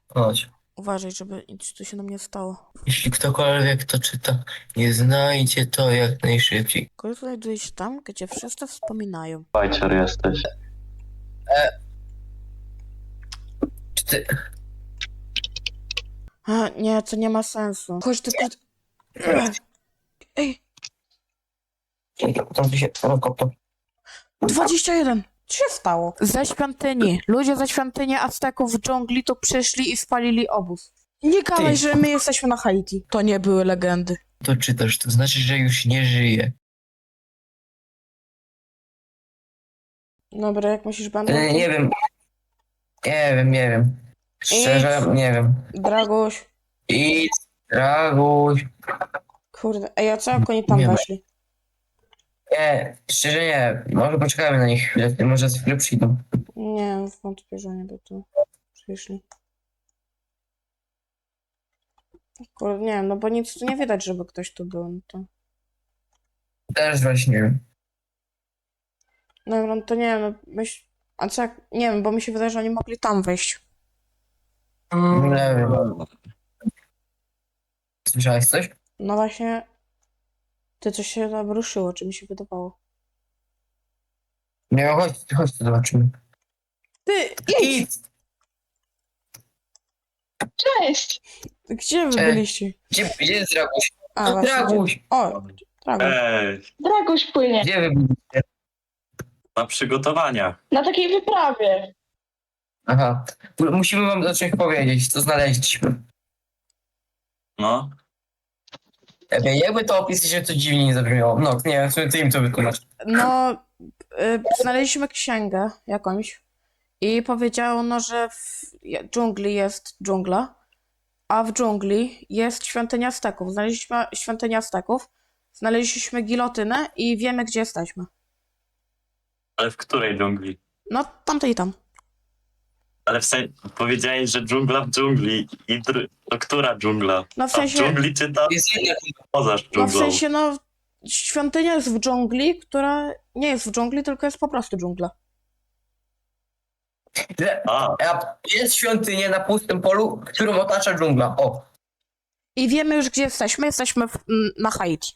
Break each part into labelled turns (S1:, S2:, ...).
S1: Chodź.
S2: Uważaj, żeby nic tu się nam nie stało.
S1: Jeśli ktokolwiek to czyta, nie znajdzie to jak najszybciej.
S2: Kogo znajduje się tam, gdzie wszyscy wspominają.
S3: Bajcior jesteś.
S1: Czy ty...
S2: A, nie, to nie ma sensu. Chodź tylko... Ej,
S1: Tam tu się... Helikopter.
S2: 21! Co się stało? Ze świątyni. Ludzie ze świątyni Azteków w dżungli tu przyszli i spalili obóz. Nie gadaj,
S1: Ty.
S2: że my jesteśmy na Haiti. To nie były legendy.
S1: To czytasz, to znaczy, że już nie żyje.
S2: Dobra, jak myślisz, będą...
S1: Nie wiem. Nie wiem. Szczerze, nie wiem.
S2: Dragoś.
S1: Idź, Draguś.
S2: Kurde, ej, a co jak oni tam
S1: Nie ma.
S2: weszli?
S1: Nie, szczerze nie. Może poczekajmy na nich chwilę, może za chwilę przyjdą.
S2: Nie, wątpię, że nie by tu przyszli. Kurde, nie wiem, no bo nic tu nie widać, żeby ktoś tu był, no to...
S1: Też właśnie nie wiem.
S2: Dobra, no to nie wiem, no myśl... A co jak... Nie wiem, bo mi się wydaje, że oni mogli tam wejść.
S1: Nie wiem. Słyszałeś coś?
S2: No właśnie... Ty coś się tam ruszyło, czy mi się wydawało?
S1: Nie, chodź, to zobaczymy.
S2: Ty, idź!
S1: Idź!
S4: Cześć!
S2: Gdzie wy
S1: Cześć.
S2: byliście?
S1: Gdzie jest Draguś?
S2: A, właśnie.
S1: Draguś!
S2: O, Dragoś.
S4: Dragoś płynie
S1: Gdzie wy byliście?
S3: Na przygotowaniach.
S4: na takiej wyprawie.
S1: Aha. Musimy wam o czymś powiedzieć, co znaleźliśmy.
S3: No.
S1: Jakby to opisać, że to dziwnie nie zabrzmiało. No, nie wiem, w sumie ty im to wytłumacz.
S2: No, znaleźliśmy księgę jakąś i powiedziano, że w dżungli jest dżungla, a w dżungli jest świątynia Azteków. Znaleźliśmy świątynię Azteków, znaleźliśmy gilotynę i wiemy, gdzie jesteśmy.
S3: Ale w której dżungli?
S2: No, tamtej i tam.
S3: Ale w sensie powiedziałeś, że dżungla w dżungli. To która dżungla?
S2: No w
S3: A w
S2: sensie,
S3: dżungli czy tam
S1: Jest jedna.
S3: poza
S2: no w
S3: dżunglą?
S2: sensie, no, świątynia jest w dżungli, która nie jest w dżungli, tylko jest po prostu dżungla.
S3: A,
S1: Jest świątynia na pustym polu, którą otacza dżungla. O.
S2: I wiemy już, gdzie jesteśmy. Jesteśmy na Haiti.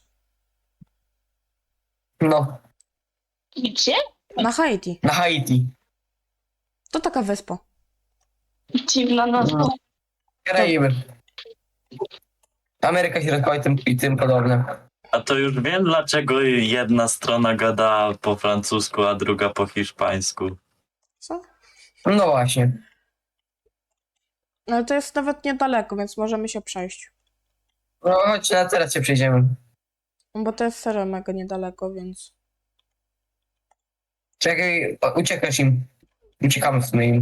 S1: No,
S4: Gdzie?
S2: Na Haiti.
S1: na Haiti.
S2: To taka wyspa.
S4: Dziwna nazwa.
S1: No. Karaiby. Ameryka Środkowa i tym podobne.
S3: a to już wiem, dlaczego jedna strona gada po francusku, a druga po hiszpańsku.
S2: Co?
S1: No właśnie.
S2: Ale to jest nawet niedaleko, więc możemy się przejść.
S1: No chodź, teraz się przejdziemy.
S2: Bo to jest serio mega niedaleko, więc...
S1: Czekaj, uciekasz im. Uciekamy w sumie im.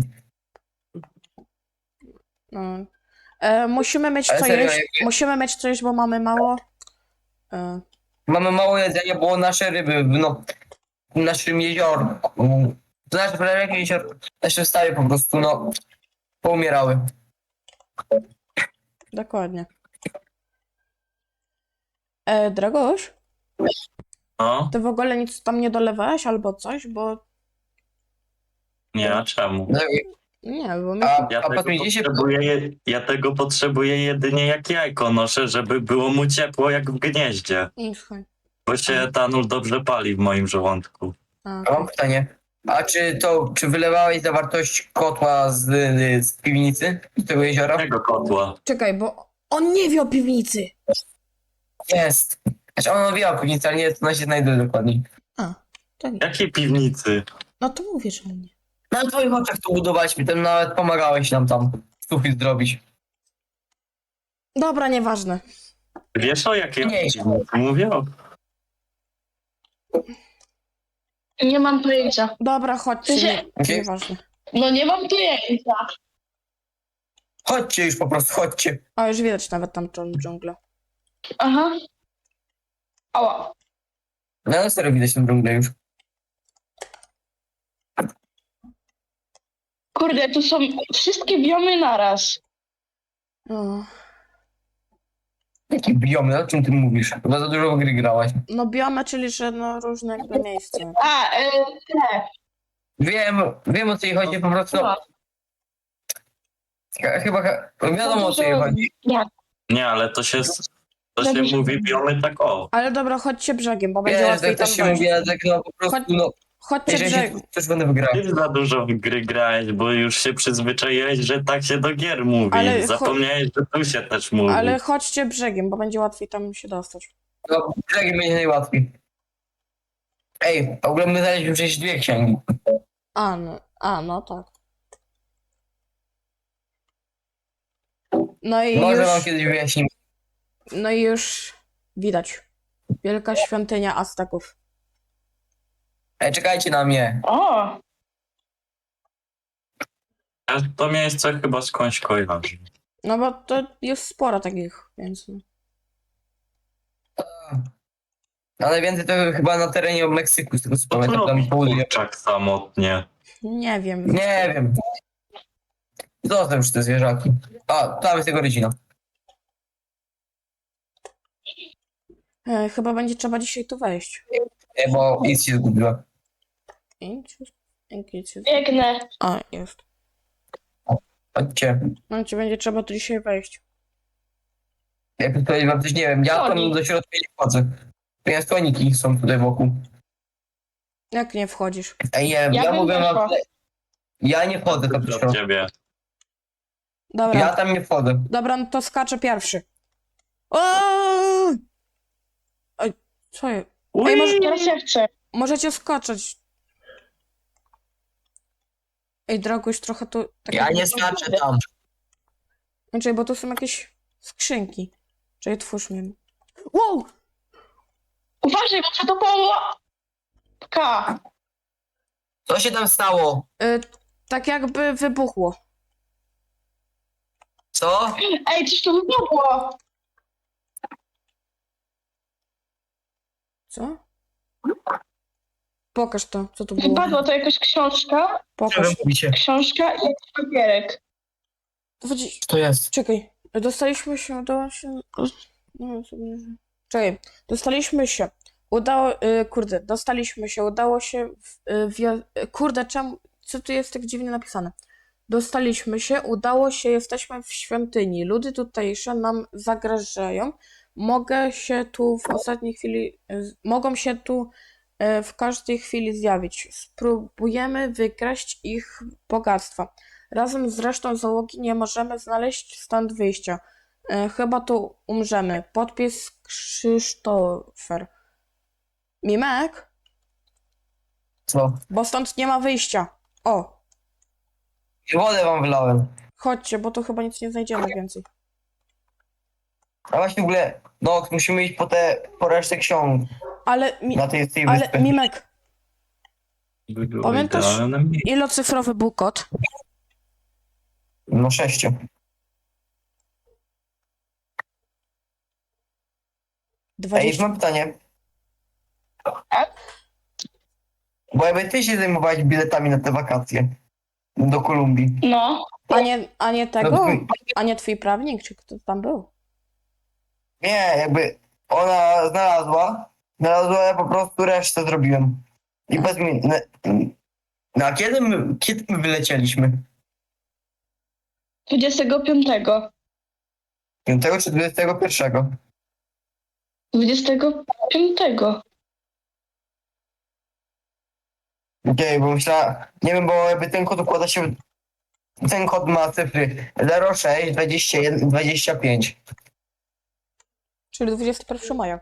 S2: No. Musimy mieć
S1: Ale
S2: co
S1: serio,
S2: jeść. Musimy mieć co jeść, bo mamy mało.
S1: Mamy mało jedzenia, bo nasze ryby, no, w naszym jeziorku, to nasze prawie jezior, nasze stawy po prostu, no, poumierały.
S2: Dokładnie. Dragoś,
S3: No?
S2: ty w ogóle nic tam nie dolewałeś albo coś, bo...
S3: Nie, a czemu?
S1: No,
S2: Nie, bo my...
S1: a,
S3: Ja
S1: a
S3: tego,
S1: patrzycie się,
S3: ja tego potrzebuję jedynie jak jajko noszę, żeby było mu ciepło jak w gnieździe.
S2: Słuchaj.
S3: Bo się etanol dobrze pali w moim żołądku.
S2: A,
S1: a mam pytanie, a czy wylewałeś zawartość kotła z piwnicy, z tego jeziora?
S3: Tego kotła.
S2: Czekaj, bo on nie wie o piwnicy.
S1: Jest. Znaczy on wie o piwnicy, ale nie, to na się znajdę dokładniej.
S2: A, to nie.
S3: Jakiej piwnicy?
S2: No to mówię, że nie.
S1: Na twoich oczach to budowaliśmy, tam nawet pomagałeś nam tam sufit zrobić.
S2: Dobra, nieważne.
S3: Wiesz o jakiej
S1: Nie.
S3: piwnicy mówię?
S4: Nie mam pojęcia.
S2: Dobra, chodźcie,
S4: Się-
S2: nieważne.
S4: No nie mam pojęcia.
S1: Chodźcie już po prostu, chodźcie.
S2: A już widać nawet tam tą dżunglę.
S4: Aha. Ała.
S1: No na serio widać tę dżunglę już.
S4: Kurde, tu są wszystkie biomy naraz.
S2: O.
S1: Jaki biomy, o czym ty mówisz? Chyba za dużo w gry grałaś.
S2: No biomy, czyli że no różne jakby miejsca.
S4: A, te.
S1: Wiem o co jej chodzi, po prostu.
S4: No.
S1: Chyba wiadomo o co jej chodzi.
S4: Tak.
S3: Nie, ale to się mówi biomy tak o.
S2: Ale dobra, chodźcie brzegiem, bo będzie
S1: Wiesz,
S2: łatwiej
S1: tak
S2: tam
S1: też się
S2: dojść.
S1: mówi, ale tak no po prostu,
S2: Chodź-
S1: no,
S2: Chodźcie
S1: jeżeli się
S2: brzegiem.
S1: też będę wygrał.
S3: Ty za dużo w gry grałeś, bo już się przyzwyczaiłeś, że tak się do gier mówi.
S2: Ale
S3: Zapomniałeś, że tu się też mówi.
S2: Ale chodźcie brzegiem, bo będzie łatwiej tam się dostać.
S1: No, brzegiem będzie najłatwiej. Ej, w ogóle my znaleźliśmy przecież 2 księgi.
S2: No tak. No i
S1: Może wam
S2: już,
S1: kiedyś wyjaśnimy.
S2: no i już widać. Wielka świątynia Azteków.
S1: Ej, czekajcie na mnie.
S4: O,
S3: Ja to miejsce chyba skądś kojarzę.
S2: No bo to jest sporo takich, więc...
S1: Ale więcej to chyba na terenie Meksyku, z tego co
S3: To
S1: pamiętam, tam południe.
S3: kurczak samotnie.
S2: Nie wiem.
S1: Nie wiem. Zostaw już te zwierzaki. A, tam jest jego rodzina.
S2: Chyba będzie trzeba dzisiaj tu wejść.
S1: Ej, bo nic się zgubiła.
S4: biegnę.
S2: A, jest.
S1: Chodźcie.
S2: No ci będzie trzeba tu dzisiaj wejść.
S1: Jak powiedzieć wam coś, nie wiem, ja tam
S4: Konik.
S1: do środka nie wchodzę. Więc koniki są tutaj wokół.
S2: Jak nie wchodzisz?
S1: Ej, nie wiem,
S4: Ja
S1: ja
S4: bym
S1: mówię wam,
S4: weszła.
S1: że ja nie wchodzę tam do
S3: Dla
S1: środka.
S3: ciebie.
S2: Dobra,
S1: Ja tam nie wchodzę.
S2: dobra, no to skaczę pierwszy. O! Oj, co jest? Ej,
S4: Teraz ja chcę.
S2: możecie skoczyć. Ej, Draguś, trochę tu... tak
S1: Ja
S2: jakby-
S1: nie skaczę tam.
S2: Czekaj, bo tu są jakieś skrzynki. Czekaj, twórz mnie. Wow!
S4: Uważaj, bo co to połówka.
S1: Co się tam stało?
S2: Tak jakby wybuchło.
S1: Co?
S4: Ej, coś tu wybuchło.
S2: Co? Pokaż to, co tu było.
S4: Wypadła to jakaś książka.
S1: Co wy
S2: Pokaż.
S1: mówicie?
S4: Książka i jakiś papierek.
S2: Chodź,
S1: Co jest?
S2: czekaj. Dostaliśmy się, udało się... No, sobie... Czekaj, dostaliśmy się. Kurde, dostaliśmy się, udało się... Kurde, czemu... Co tu jest tak dziwnie napisane? Dostaliśmy się, udało się, jesteśmy w świątyni. Ludy tutejsze nam zagrażają. Mogą się tu w każdej chwili zjawić. Spróbujemy wykraść ich bogactwa. Razem z resztą załogi nie możemy znaleźć stąd wyjścia. Chyba tu umrzemy. Podpis Krzysztofer. Mimek?
S1: Co?
S2: Bo stąd nie ma wyjścia. O,
S1: Wodę wam wylałem.
S2: chodźcie, bo tu chyba nic nie znajdziemy więcej.
S1: A właśnie w ogóle, no musimy iść po resztę ksiąg
S2: Ale,
S1: na tej
S2: ale
S1: wyspie.
S2: Mimek,
S3: By było
S2: Pamiętasz-
S3: idealne miejsce.
S2: ilocyfrowy był kod?
S1: No 6. Ej,
S2: 20.
S1: mam pytanie. Bo jakby ty się zajmowałeś biletami na te wakacje do Kolumbii.
S4: No.
S2: A nie
S1: No,
S2: tego? A nie twój prawnik, czy kto tam był?
S1: nie, jakby ona znalazła, ja po prostu resztę zrobiłem. I bez mnie. No a kiedy my wylecieliśmy?
S4: 25.
S1: 5 czy 21?
S4: 25.
S1: Okej, bo myślałem, nie wiem, bo jakby ten kod układa się, ten kod ma cyfry 06, 21, 25.
S2: Czyli 21 maja.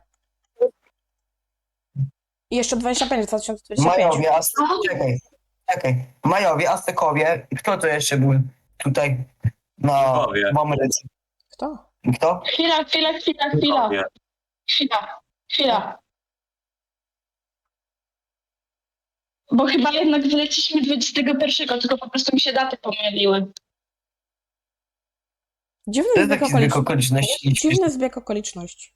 S2: I jeszcze 25, 2025.
S1: Majowie, czekaj. Majowie, Aztekowie, kto to jeszcze był tutaj
S3: Inkowie.
S1: w Ameryce?
S2: Kto?
S1: Kto?
S4: Chwila.
S3: Inkowie.
S4: Chwila. Bo chyba jednak wyleciliśmy 21, tylko po prostu mi się daty pomyliły.
S2: Dziwny
S1: To jest
S2: zbieg
S1: taki zbieg
S2: okoliczności.
S1: okoliczności.
S2: Dziwny zbieg okoliczności.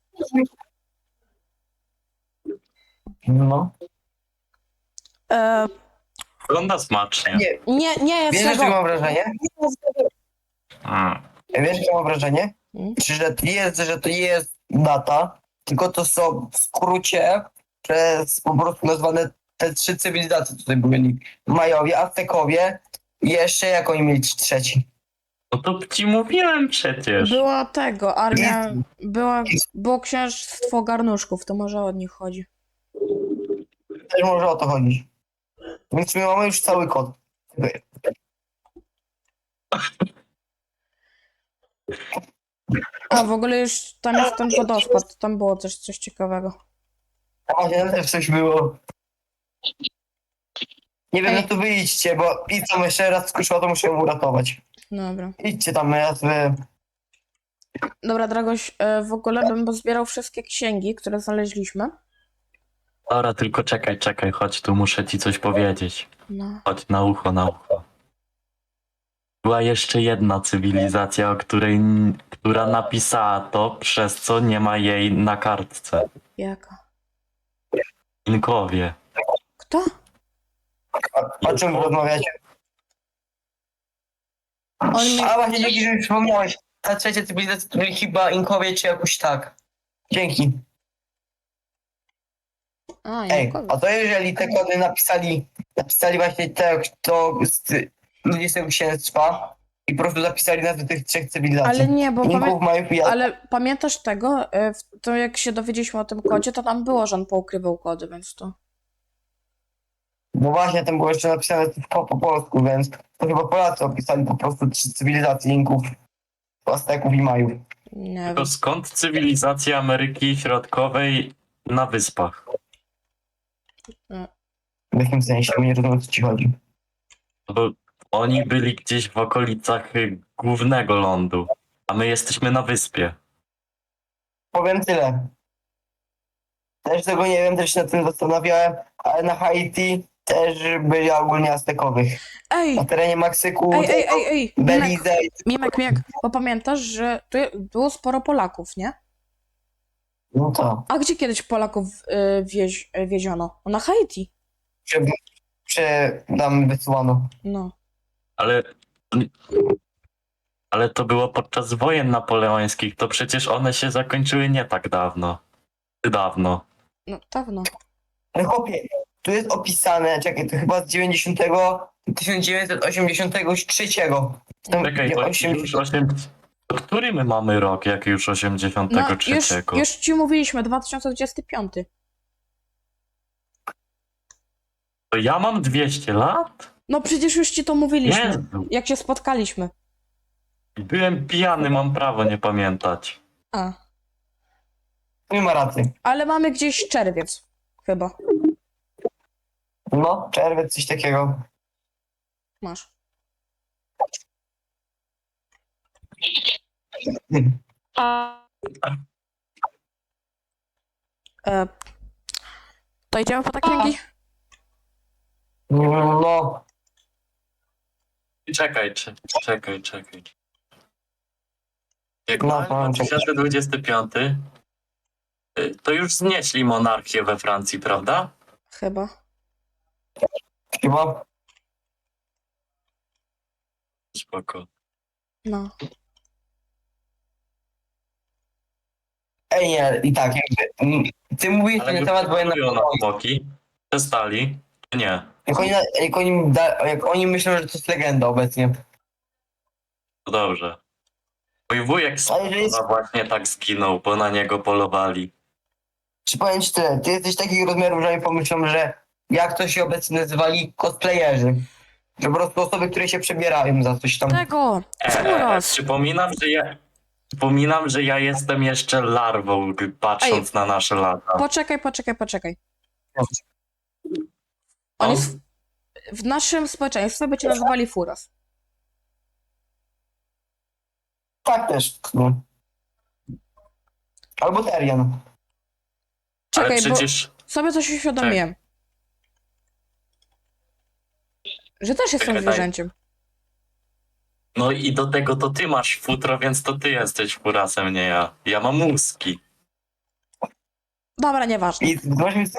S1: No.
S3: Wygląda smacznie.
S2: Nie jest
S1: Wiesz, jakie
S2: tego.
S1: mam wrażenie? Wiesz, jakie mam wrażenie?
S2: Mm.
S1: Że to jest data, tylko to są w skrócie przez po prostu nazwane te 3 cywilizacje tutaj byli. Majowie, Aztekowie i jeszcze jak oni mieli trzeci?
S3: No to ci mówiłem przecież.
S2: Była tego, armia, było księstwo garnuszków, to może od nich chodzi.
S1: Też może o to chodzić. Więc my mamy już cały kod.
S2: A w ogóle już tam jest ten wodospad, tam było też coś ciekawego.
S1: A właśnie tam też coś było. Nie wiem,
S2: Ej.
S1: no to wyjdźcie, bo pizzą jeszcze raz skuszyła, to muszę ją uratować.
S2: Dobra.
S1: Idźcie tam raz wy.
S2: Dobra, Dragoś, w ogóle bym pozbierał wszystkie księgi, które znaleźliśmy.
S3: Dobra, tylko czekaj, chodź tu, muszę ci coś powiedzieć.
S2: No.
S3: Chodź na ucho, na ucho. Była jeszcze jedna cywilizacja, która napisała to, przez co nie ma jej na kartce.
S2: Jaka?
S3: Inkowie.
S2: Kto?
S1: O czym wy rozmawiacie?
S2: On mi...
S1: A właśnie, dzięki, że mi przypomniałeś. Ta trzecia cywilizacja to byli chyba Inkowie, czy jakoś tak. Dzięki.
S2: A,
S1: Ej,
S2: Jankowi.
S1: a to jeżeli te kody napisali właśnie ludzie z tego księstwa i po prostu zapisali nazwy tych trzech cywilizacji.
S2: Ale nie, bo
S1: Inków, Majów i
S2: ale pamiętasz tego? To jak się dowiedzieliśmy o tym kodzie, to tam było, że on poukrywał kody, więc to...
S1: Bo właśnie tam było jeszcze napisane po polsku, więc to chyba Polacy opisali po prostu trzy cywilizacje Inków, Azteków i Majów.
S2: Nie wiem.
S3: To skąd cywilizacja Ameryki Środkowej na wyspach?
S1: W jakim sensie? Nie rozumiem, o co ci chodzi.
S3: Bo oni byli gdzieś w okolicach głównego lądu, a my jesteśmy na wyspie.
S1: Powiem tyle. Też tego nie wiem, też się nad tym zastanawiałem, ale na Haiti też byli ogólnie Aztekowych.
S2: Ej!
S1: Na terenie Meksyku,
S2: Ej! Mimek,
S1: Belize.
S2: Mimek, bo pamiętasz, że tu było sporo Polaków, nie?
S1: No to.
S2: A gdzie kiedyś Polaków wieziono? Na Haiti.
S1: Tam wysłano.
S2: No.
S3: Ale to było podczas wojen napoleońskich, to przecież one się zakończyły nie tak dawno.
S2: No, dawno.
S1: Ale chłopie, tu jest opisane, czekaj, to chyba z 1983. Tam,
S3: Czekaj, to już 80... Który my mamy rok, jak już 83?
S2: No, już ci mówiliśmy, 2025.
S3: To ja mam 200 lat?
S2: No przecież już ci to mówiliśmy,
S3: Jezu,
S2: jak się spotkaliśmy.
S3: byłem pijany, mam prawo nie pamiętać.
S2: A,
S1: Nie ma racji.
S2: ale mamy gdzieś czerwiec, chyba.
S1: No, czerwiec, coś takiego.
S2: Masz.
S4: A
S2: To idziemy po te księgi?
S1: No,
S3: Czekaj. Jak
S1: No,
S3: mamy
S1: powiem,
S3: 2025, to już znieśli monarchię we Francji, prawda?
S2: Chyba.
S1: chyba.
S3: Spoko.
S2: No.
S1: Ej, nie, i tak, ty mówisz
S3: Ale
S1: na
S3: już
S1: temat wojennego.
S3: polują na smoki. Przestali? Czy nie?
S1: Jak oni myślą, że to jest legenda obecnie.
S3: To dobrze. Mój wujek z
S1: Ale że jest-
S3: Krakowa właśnie tak zginął, bo na niego polowali.
S1: Czy powiem ci tyle, ty jesteś takich rozmiarów, że oni pomyślą, że jak to się obecnie nazywali cosplayerzy. Że po prostu osoby, które się przebierają za coś tam.
S2: Tego! Skuros!
S3: Przypominam, że ja jestem jeszcze larwą, patrząc na nasze lata.
S2: Poczekaj. Oni w naszym społeczeństwie by cię nazywali Furas.
S1: Tak też. No. Albo Terian.
S3: Ale
S2: Czekaj,
S3: przecież...
S2: bo sobie coś uświadomiłem. Że też jestem
S3: Czekaj,
S2: zwierzęciem.
S3: No i do tego to ty masz futro, więc to ty jesteś furasem, nie ja. Ja mam mózgi.
S2: Dobra, nieważne.
S1: I masz mi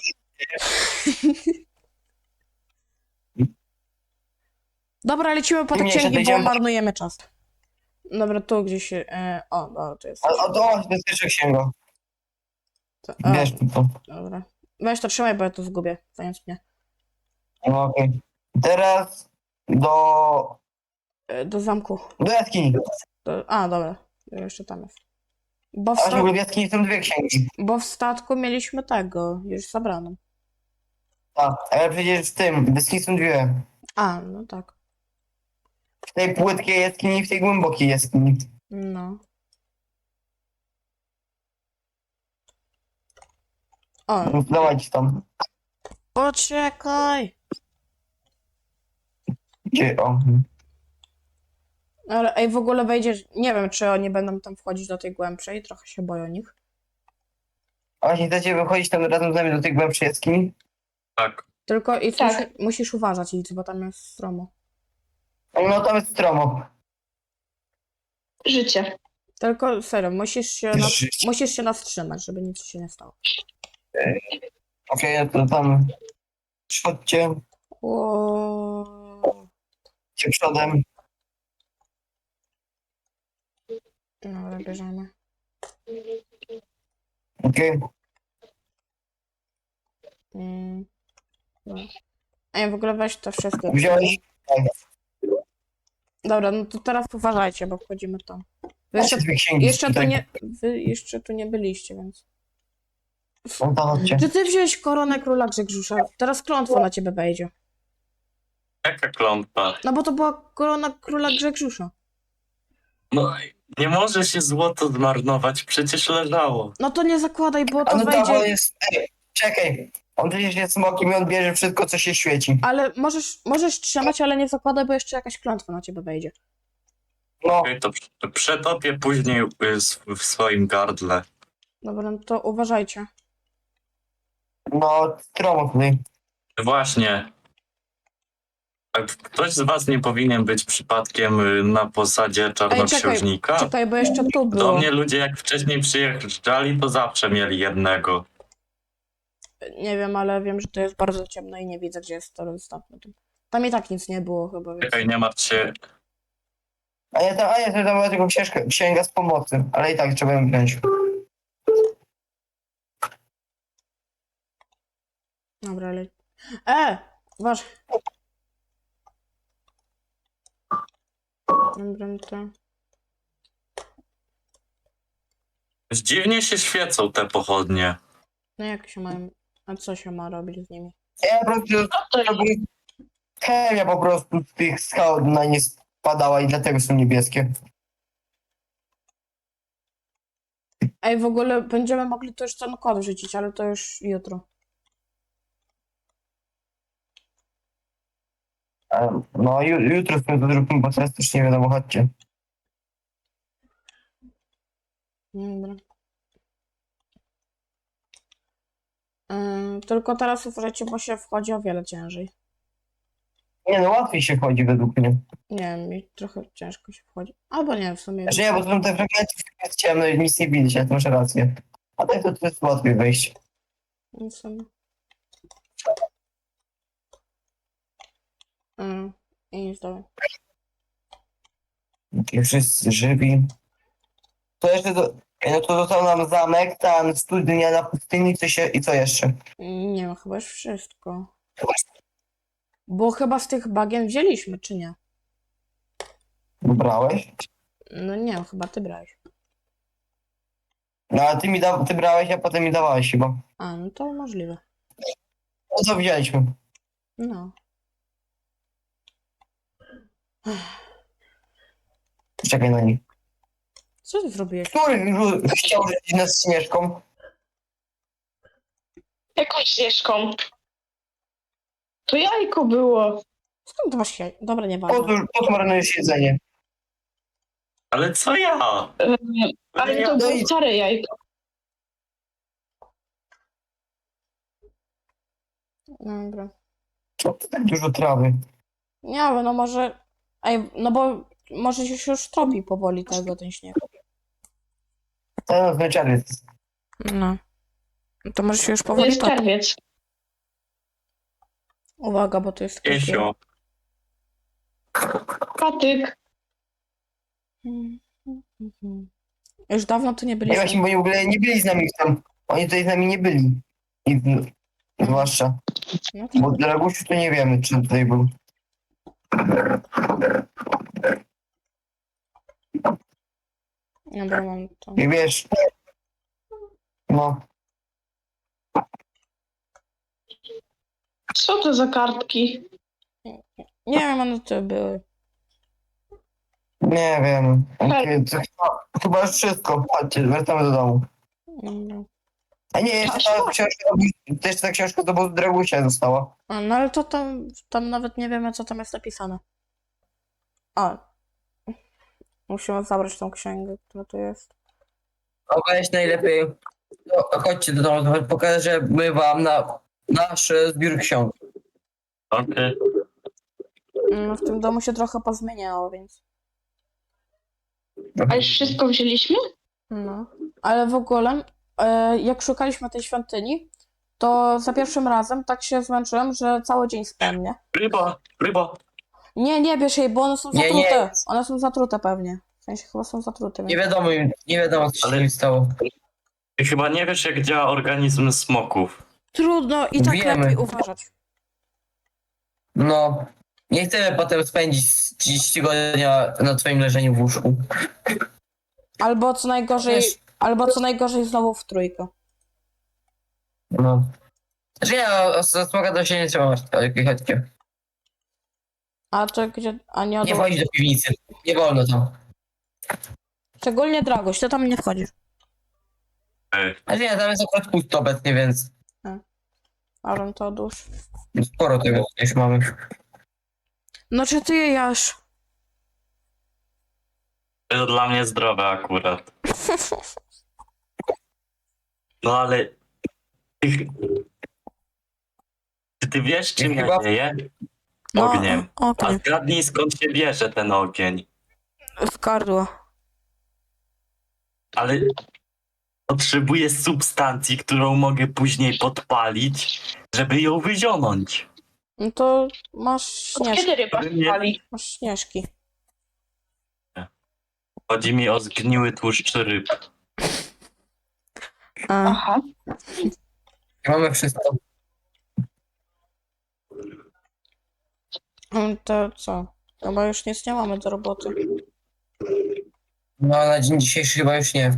S2: Dobra, lecimy po te
S1: Mniejsza,
S2: księgi, bo
S1: dojdziemy.
S2: marnujemy czas. Dobra, tu gdzieś... o, dobra, tu jest.
S1: A to właśnie, to jest pierwsza księga.
S2: A,
S1: Wiesz to.
S2: dobra. Weź to trzymaj, bo ja to zgubię. Zając mnie.
S1: No okej. Teraz do
S2: Do zamku.
S1: Do jaskini.
S2: A, dobra. Jeszcze tam jest. Bo w,
S1: A w ogóle
S2: sta...
S1: w jaskini są dwie księgi.
S2: Bo w statku mieliśmy tego, już zabraną.
S1: A, ale przecież w tym, w jaskini są dwie.
S2: A, no tak.
S1: W tej płytkiej jaskini i w tej głębokiej jaskini.
S2: No. O,
S1: No, dawajcie tam.
S2: poczekaj!
S1: Gdzie, o.
S2: Ale ej, w ogóle wejdziesz. Nie wiem, czy oni będą tam wchodzić do tej głębszej, trochę się boję o nich.
S1: A właśnie chcecie wychodzić tam razem z nami do tej głębszej jaskini?
S3: Tak.
S2: Tylko i
S4: Tak.
S2: musisz uważać, Idź, bo tam jest stromo.
S1: No tam jest stromo.
S4: Życie.
S2: Tylko serio,
S1: Życie.
S2: musisz się nawstrzymać, żeby nic się nie stało.
S1: Okej, no to tam chodźcie,
S2: O,
S1: idźcie przodem.
S2: dobra, bierzemy.
S1: Okej.
S2: Dobra. Ej, w ogóle weź to wszystko.
S1: Wziąłeś?
S2: Dobra, no to teraz uważajcie, bo wchodzimy tam. Wy
S1: Jeszcze dwie księgi.
S2: wy jeszcze tu nie byliście, więc.
S1: No to chodźcie.
S2: Czy ty wziąłeś koronę króla Grzegrzusza? Teraz klątwa na ciebie wejdzie.
S3: Jaka klątwa?
S2: No bo to była korona króla Grzegrzusza.
S3: No, nie może się złoto zmarnować, przecież leżało.
S2: No to nie zakładaj, bo
S1: A
S2: to
S1: no tak, on
S2: wejdzie.
S1: jest... Ej, czekaj. On przecież jest smokiem i on bierze wszystko, co się świeci.
S2: Ale możesz trzymać, ale nie zakładaj, bo jeszcze jakaś klątwa na ciebie wejdzie.
S1: No,
S3: Okej, to przetopię później w swoim gardle.
S2: Dobra, no to uważajcie.
S1: no, stromo tutaj.
S3: Właśnie. A ktoś z was nie powinien być przypadkiem na posadzie czarnoksiężnika?
S2: Czekaj, bo jeszcze tu
S3: Do
S2: było.
S3: mnie ludzie jak wcześniej przyjeżdżali, to zawsze mieli jednego.
S2: Nie wiem, ale wiem, że to jest bardzo ciemno i nie widzę, gdzie jest to ostatnio. Tam i tak nic nie było chyba, więc.
S3: Czekaj, nie martw się.
S1: A ja to była tylko księga z pomocy, ale i tak trzeba ją wziąć.
S2: Dobra, ale. Waż. Dobra, no to.
S3: Dziwnie się świecą te pochodnie.
S2: No jak się mają. A co się ma robić z nimi?
S1: Ja po prostu... Chemia po prostu z tych skał na nie spadała i dlatego są niebieskie.
S2: Ej, w ogóle będziemy mogli to już ten kod rzucić, ale to już jutro.
S1: No, jutro sobie to zróbmy, bo teraz też nie wiadomo, chodźcie.
S2: Dobra. Tylko teraz uważajcie, bo się wchodzi o wiele ciężej.
S1: Nie no, łatwiej się chodzi według mnie.
S2: Nie wiem, mi trochę ciężko się wchodzi. Albo nie, w sumie.
S1: Znaczy nie, bo to są te fragmenty, w których jest ciemno i nic nie widać, ale to masz rację. A tak to jest łatwiej wejść.
S2: W sumie. I nic dalej.
S1: I wszyscy żywi. To jeszcze no to został nam zamek, tam studnia na pustyni, i co jeszcze?
S2: Nie wiem, chyba już wszystko. Bo chyba z tych bagien wzięliśmy, czy nie?
S1: Brałeś?
S2: No nie wiem, chyba ty brałeś.
S1: No ale ty brałeś, a potem mi dawałeś chyba.
S2: A, no to możliwe.
S1: No to wzięliśmy.
S2: No.
S1: Czekaj na nich.
S2: Co ty zrobiłeś?
S1: Który chciał rzucić nas śnieżką?
S4: Jakąś ścieżką. To jajko było.
S2: Skąd to masz jaj? Dobra, nieważne.
S1: Po co marnujesz jedzenie?
S3: Ale co ja?
S4: Ale to
S1: No
S4: było
S1: i-
S4: stare jajko.
S2: Dobra.
S1: Co to tak dużo trawy?
S2: Nie wiem, no może. Ej, no bo może się już topi powoli ten śnieg.
S1: To no, czerwiec.
S2: No. To może się już
S4: To
S2: powoli
S4: jest
S2: topi.
S4: czerwiec.
S2: Uwaga, bo to jest takie.
S3: Piesio.
S4: Patyk.
S2: Już dawno tu nie
S1: Nie
S2: byliśmy.
S1: właśnie, bo oni w ogóle nie byli z nami tam. Oni tutaj z nami nie byli. I, zwłaszcza.
S2: No to
S1: Bo Dragusiu to nie wiemy, czy tutaj był.
S2: Dobra, mam to.
S1: I wiesz, no,
S4: Co to za kartki?
S2: Nie wiem, one to były.
S1: nie wiem. Chyba już wszystko. Chodźcie, wracamy do domu.
S2: Dobra.
S1: A nie, jeszcze ta książka, to jeszcze ta książka do obozu Dragusia została.
S2: A, no ale to tam nawet nie wiemy, co tam jest napisane. A. Musimy zabrać tą księgę, która tu jest.
S1: No weź najlepiej. No, chodźcie do domu, pokażemy wam nasz zbiór ksiąg.
S3: Okej.
S2: No, w tym domu się trochę pozmieniało, więc.
S4: A już wszystko wzięliśmy?
S2: No. Ale w ogóle, jak szukaliśmy tej świątyni, to za pierwszym razem tak się zmęczyłem, że cały dzień spałem, nie?
S3: Ryba.
S2: Nie bierz jej, bo one są
S1: Nie,
S2: zatrute.
S1: nie.
S2: One są zatrute pewnie. W sensie chyba są zatrute.
S1: Nie
S2: Więc...
S1: wiadomo co się
S3: Ale-
S1: stało.
S3: Ty chyba nie wiesz, jak działa organizm smoków.
S2: Trudno i tak
S1: Wiemy.
S2: lepiej uważać.
S1: No, nie chcemy potem spędzić 30 tygodnia na twoim leżeniu w łóżku.
S2: Albo co najgorzej,
S1: Wiesz-
S2: znowu w trójkę.
S1: No. Znaczy nie, o smoka to się nie trzeba martwić, chodźcie.
S2: A to gdzie, a nie
S1: Nie
S2: odło...
S1: wchodzić do piwnicy, nie wolno tam.
S2: Szczególnie Dragoś, ty tam nie wchodzisz.
S1: Znaczy nie, tam jest akurat pusto obecnie, więc
S2: Aaron, to odłóż.
S1: sporo tego już mamy.
S2: No czy ty je jasz?
S3: To dla mnie zdrowe akurat. No ale... Ty wiesz, czym ja
S1: Chyba-
S3: dzieję?
S2: No,
S3: Ogniem. A
S2: okej.
S3: zgadnij, skąd się bierze ten ogień.
S2: Z gardła.
S3: Ale potrzebuję substancji, którą mogę później podpalić, żeby ją wyzionąć.
S2: No to masz
S4: Od
S2: śnieżki.
S4: kiedy ryba
S3: Nie.
S4: spali?
S2: Masz śnieżki.
S3: Chodzi mi o zgniły tłuszcz ryb.
S2: A,
S4: Aha.
S1: Mamy wszystko.
S2: to co? Chyba już nic nie mamy do roboty.
S1: No na dzień dzisiejszy chyba już nie.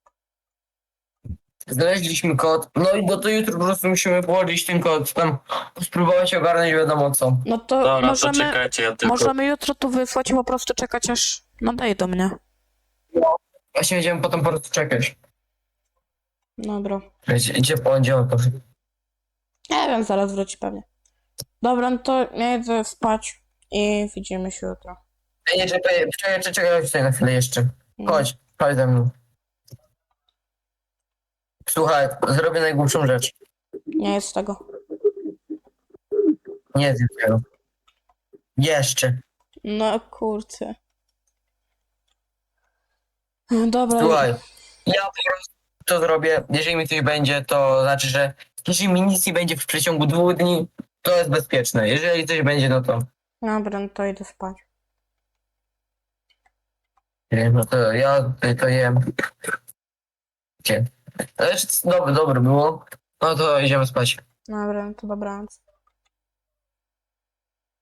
S1: Znaleźliśmy kod, no i to jutro po prostu musimy położyć ten kod, tam spróbować ogarnąć wiadomo co.
S2: No to
S3: Dobra, to
S2: możemy,
S3: czekajcie, ja tylko...
S2: możemy jutro tu wysłać i po prostu czekać aż nadejdą mnie.
S1: Właśnie będziemy potem po prostu czekać.
S2: Dobra.
S1: Gdzie poniedziałek poszedł.
S2: Nie wiem, zaraz wróci pewnie. Dobra, no to ja idę spać i widzimy się jutro.
S1: Ej, nie, czekaj tutaj na chwilę jeszcze. Chodź ze mną. Słuchaj, zrobię najgłupszą rzecz.
S2: Nie jest tego.
S1: Nie zjem tego. Jeszcze.
S2: No kurczę. Dobra.
S1: Słuchaj, ja po prostu to zrobię. Jeżeli mi coś będzie, to znaczy, że jeżeli mi nic nie będzie w przeciągu 2 dni, to jest bezpieczne. Jeżeli coś będzie, no to...
S2: Dobra, no to idę spać.
S1: Nie, no to ja to jem. Gdzie? Ale dobre było. No to idziemy spać.
S2: Dobra, no to dobranoc.